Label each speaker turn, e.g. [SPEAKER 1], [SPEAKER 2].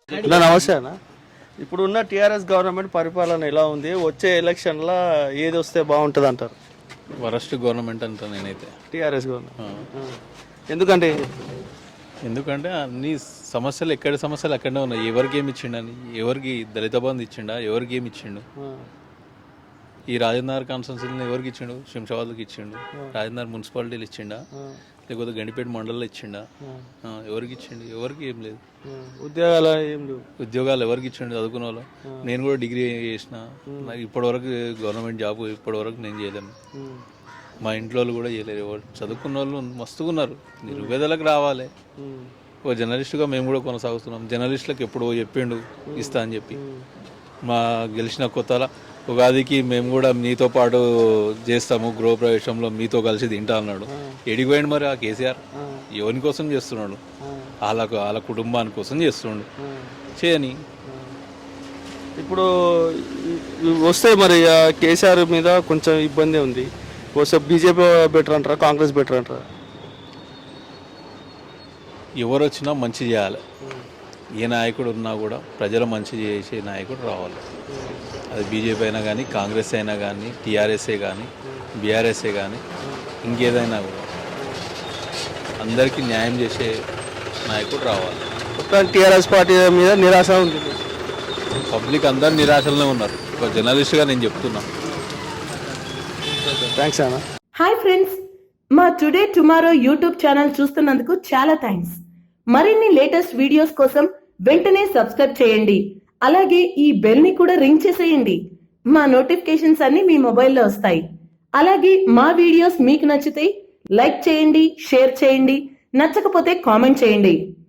[SPEAKER 1] నమస్తే అన్న. ఇప్పుడున్న టీఆర్ఎస్ గవర్నమెంట్ పరిపాలన ఎలా ఉంది? వచ్చే ఎలక్షన్లో ఏది వస్తే బాగుంటుంది అంటారు?
[SPEAKER 2] వరస్ట్ గవర్నమెంట్ అంటా నేనైతే.
[SPEAKER 1] టీఆర్ఎస్ గవర్నమెంట్ ఎందుకంటే
[SPEAKER 2] ఎందుకంటే అన్ని సమస్యలు ఎక్కడి సమస్యలు అక్కడనే ఉన్నాయి. ఎవరికి ఏమి ఇచ్చిండని, ఎవరికి దళిత బంధు ఇచ్చిండా, ఎవరికి ఏమి ఇచ్చిండు? ఈ రాజేంద్ర కాన్స్టిట్యున్సీని ఎవరికి ఇచ్చిండు? శంషాబాద్కి ఇచ్చిండు. రాజేంద్ర మున్సిపాలిటీలు ఇచ్చిండా, లేకపోతే గండిపేట మండలంలో ఇచ్చిండా? ఎవరికి ఇచ్చిండు? ఎవరికి ఏం లేదు.
[SPEAKER 1] ఉద్యోగాలు ఏం లేవు.
[SPEAKER 2] ఉద్యోగాలు ఎవరికి ఇచ్చిండు? చదువుకున్న వాళ్ళు. నేను కూడా డిగ్రీ చేసిన, నాకు ఇప్పటివరకు గవర్నమెంట్ జాబ్ ఇప్పటివరకు నేను చేయలేను. మా ఇంట్లో వాళ్ళు కూడా చేయలేరు. ఎవరు చదువుకున్న వాళ్ళు మస్తుగా ఉన్నారు. నిరుపేదలకు రావాలి. ఓ జర్నలిస్టుగా మేము కూడా కొనసాగుతున్నాం. జర్నలిస్టులకు ఎప్పుడో చెప్పిండు ఇస్తా అని చెప్పి. మా గెలిచిన కొత్తల ఉగాదికి మేము కూడా మీతో పాటు చేస్తాము, గృహప్రవేశంలో మీతో కలిసి తింటా అన్నాడు. ఎడిగిపోయింది మరి ఆ కేసీఆర్. ఎవరి కోసం చేస్తున్నాడు? వాళ్ళ కుటుంబాని కోసం చేస్తున్నాడు. చేయని
[SPEAKER 1] ఇప్పుడు వస్తే మరి కేసీఆర్ మీద కొంచెం ఇబ్బంది ఉంది. వస్తే బీజేపీ బెటర్ అంటారా, కాంగ్రెస్ బెటర్ అంటారా?
[SPEAKER 2] ఎవరు వచ్చినా మంచి చేయాలి. ఏ నాయకుడు ఉన్నా కూడా ప్రజలు మంచి చేసే నాయకుడు రావాలి. అది బీజేపీ అయినా కానీ, కాంగ్రెస్ అయినా కానీ, టీఆర్ఎస్ఏ కానీ, బీఆర్ఎస్ఏ కానీ, ఇంకేదైనా కూడా అందరికీ న్యాయం చేసే నాయకుడు రావాలి.
[SPEAKER 1] టీఆర్ఎస్ పార్టీ మీద నిరాశ ఉంది.
[SPEAKER 2] పబ్లిక్ అందరు నిరాశలోనే ఉన్నారు. ఒక జర్నలిస్ట్గా నేను చెప్తున్నా.
[SPEAKER 1] థ్యాంక్స్ అన్న.
[SPEAKER 3] హాయ్ ఫ్రెండ్స్, మా టుడే టుమారో యూట్యూబ్ ఛానల్ చూస్తున్నందుకు చాలా థ్యాంక్స్. మరిన్ని లేటెస్ట్ వీడియోస్ కోసం వెంటనే సబ్స్క్రైబ్ చేయండి. అలాగే ఈ బెల్ ని కూడా రింగ్ చేసేయండి. మా నోటిఫికేషన్స్ అన్ని మీ మొబైల్లో వస్తాయి. అలాగే మా వీడియోస్ మీకు నచ్చితే లైక్ చేయండి, షేర్ చేయండి, నచ్చకపోతే కామెంట్ చేయండి.